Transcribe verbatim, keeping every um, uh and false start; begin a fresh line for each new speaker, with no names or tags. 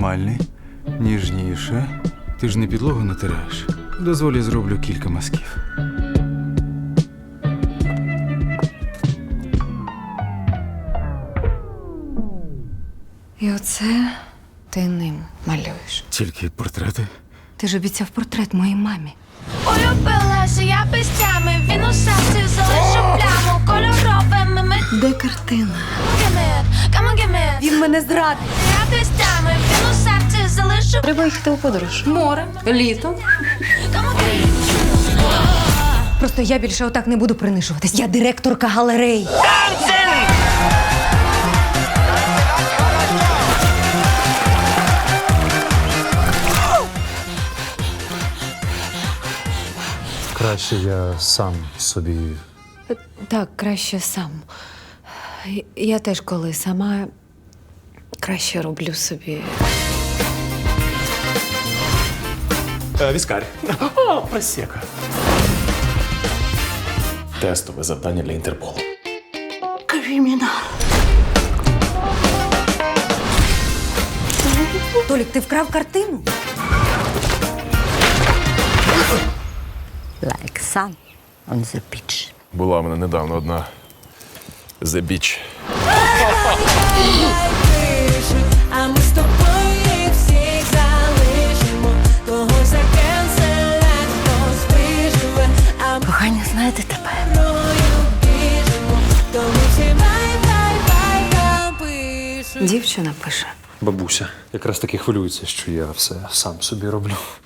нормальний. Ніжніше. Ти ж не підлогу натираєш. Дозволь, я зроблю кілька мазків.
І оце ти ним малюєш.
Тільки портрети.
Ти ж обіцяв портрет моїй мамі.
Улюбилася я пестями, він у серці залишив пляму кольоровими ми.
Де картина?
Come on, give me.
Він мене зрадив.
Я пестями, він у серці залишив.
Треба їхати у подорож. Море, літо.
Come on, give me.
Просто я більше отак не буду принижуватись. Я директорка галереї.
Краще я сам собі.
Так, краще сам. Я теж коли сама краще роблю собі.
Е, Віскар. О, просека. Тестове завдання для Інтерполу.
Толік, ти вкрав картину?
Like sun on the beach.
Була в мене недавно одна The Beach.
А ми з тобою їх всіх залишимо. Когось закенселять, хтось виживе. А ми
Кохання, знаєте тепер.
рою біжимо. То ми всі бай-бай-бай напишемо.
Дівчина пише.
Бабуся якраз таки хвилюється, що я все сам собі роблю.